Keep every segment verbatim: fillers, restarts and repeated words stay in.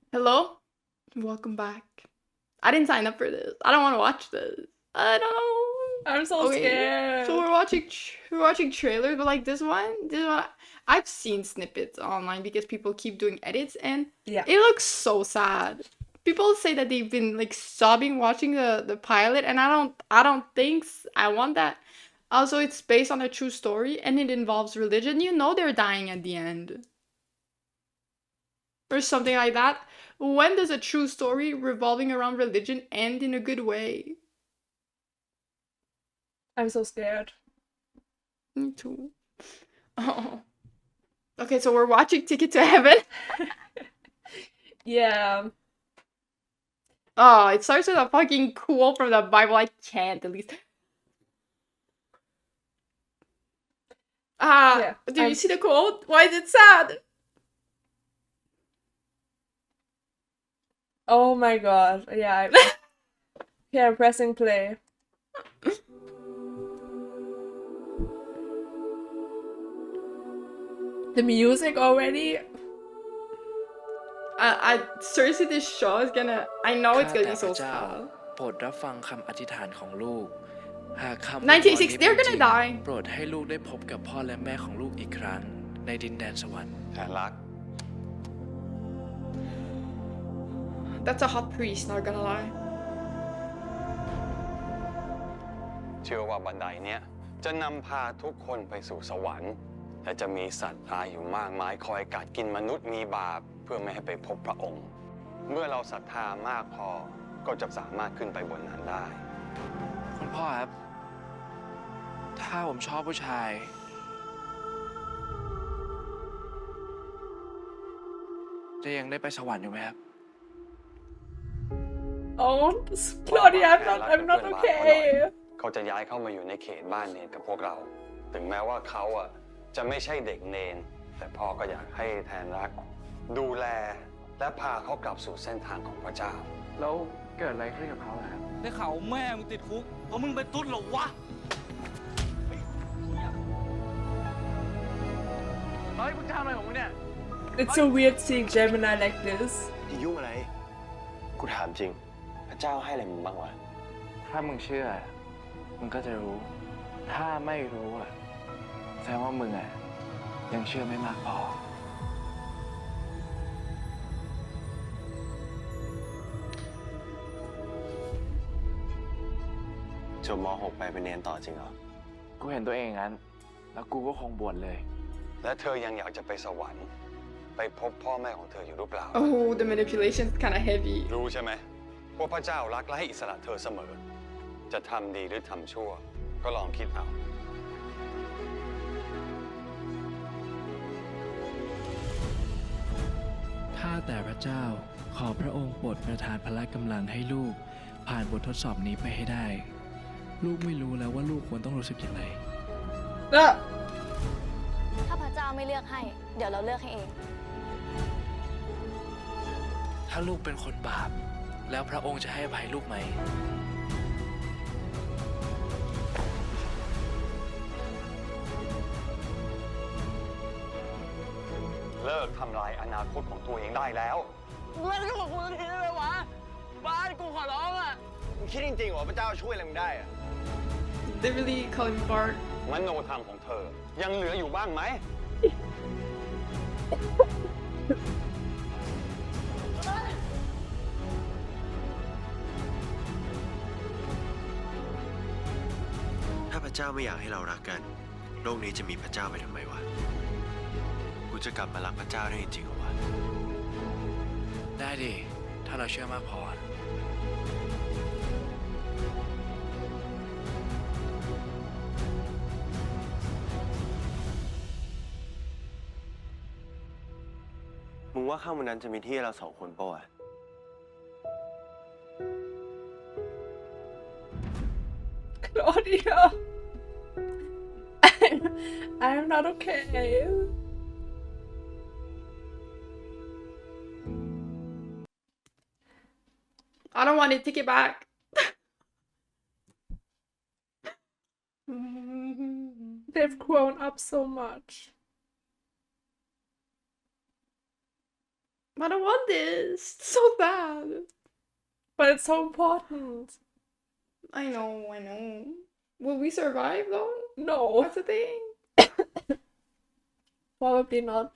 Hello? Welcome back. I didn't sign up for this. I don't want to watch this. I don't. I'm so Okay, scared. so we're watching tr- we're watching trailers, but like this one, this one, I've seen snippets online because people keep doing edits, and Yeah. it looks so sad. People say that they've been like sobbing watching the the pilot, and I don't I don't think s- I want that. Also, it's based on a true story, and it involves religion. You know they're dying at the end or something like that. When does a true story revolving around religion end in a good way? I'm so scared. Me too. Oh. Okay, so we're watching Ticket to Heaven. Yeah. Oh, it starts with a fucking quote from the Bible. I can't at least. Ah, Yeah. do I'm... you see the quote? Why is it sad? Oh my god. Yeah. I... yeah, I'm pressing play. The music already. I, I seriously, this show is gonna. I know it's ข้า gonna แต่ be พ so ระเจ้า sad. โปรดรับฟังคำอธิษฐานของลูก หากคำอวยพร nineteen นี้ sixty, เป็ they're นจริ gonna ง die. โปรดให้ลูกได้พบกับพ่อและแม่ของลูกอีกครั้งในดินแดนสวรรค์แผนรัก That's a hot priest, not gonna lie. เชื่อว่าบันไดเนี้ยจะนำพาทุกคนไปสู่สวรรค์และจะมีสัตว์ร้ายอยู่มากมายคอยกัดกินมนุษย์มีบาปเพื่อไม่ให้ไปพบพระองค์ เมื่อเราศรัทธามากพอก็จะสามารถขึ้นไปบนนั้นได้คุณพ่อครับ ถ้าผมชอบผู้ชาย จะยังได้ไปสวรรค์อยู่ไหมครับ Oh, Claudia, I'm not, I'm not okay. เขาจะย้ายเข้ามาอยู่ในเขตบ้านเนนกับพวกเรา ถึงแม้ว่าเขาอ่ะจะไม่ใช่เด็กเนน แต่พ่อก็อยากให้แทนรัก ดูแลและพาเขากลับสู่เส้นทางของพระเจ้าแล้วเกิดอะไรขึ้นกับเขาล่ะครับได้ข่าวแม่มึงติดคุกเพราะมึงเป็นตุ๊ดเหรอวะเฮ้ยมึงทำอะไรของมึงเนี่ย It's so weird seeing Gemini like this. อย่ายุ่งอะไร กูถามจริง พระเจ้าให้อะไรมึงบ้างวะถ้ามึงเชื่อ มึงก็จะรู้ ถ้าไม่รู้อ่ะแสดงว่ามึงอ่ะยังเชื่อไม่มากพอจบม .หก ไปเป็นเนนต่อจริงเหรอกูเห็นตัวเองอย่างนั้น แล้วกูก็คงบวชเลยและเธอยังอยากจะไปสวรรค์ ไปพบพ่อแม่ของเธออยู่หรือเปล่า Oh, the manipulation's kind of heavy. รู้ใช่ไหมว่าพระเจ้ารักและให้อิสระเธอเสมอ จะทำดีหรือทำชั่ว ก็ลองคิดเอาข้าแต่พระเจ้าขอพระองค์โปรดประทานพละกำลังให้ลูก ผ่านบททดสอบนี้ไปให้ได้ ลูกไม่รู้แล้วว่าลูกควรต้องรู้สึกอย่างไร Ah. ถ้าพระเจ้าไม่เลือกให้ เดี๋ยวเราเลือกให้เองถ้าลูกเป็นคนบาป แล้วพระองค์จะให้อภัยลูกไหมเลิกทำลายอนาคตของตัวเองได้แล้วเล่นก็บอกกูสักทีได้ไหมวะ บ้านกูขอร้องอ่ะมึงคิดจริงๆว่าพระเจ้าช่วยอะไรมึงได้อะ They really calling me Bart. มโนธรรมของเธอ ยังเหลืออยู่บ้างไหมถ้าพระเจ้าไม่อยากให้เรารักกัน โลกนี้จะมีพระเจ้าไปทำไมวะ กูจะกลับมารักพระเจ้าได้จริงๆเหรอวะได้ดิ ถ้าเราเชื่อมากพอมึงว่าข้างบนนั้นจะมีที่ให้เราสองคนปะวะ Claudia. I'm not okay. I don't want it. Take it back. They've grown up so much. I don't want this. It's so sad. But it's so important. I know, I know. Will we survive though? No, That's the thing. probably not.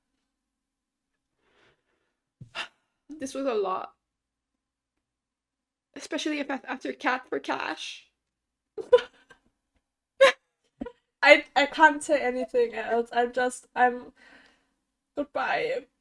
This was a lot. Especially if af- after Cat for Cash. I I can't say anything else. I'm just I'm goodbye.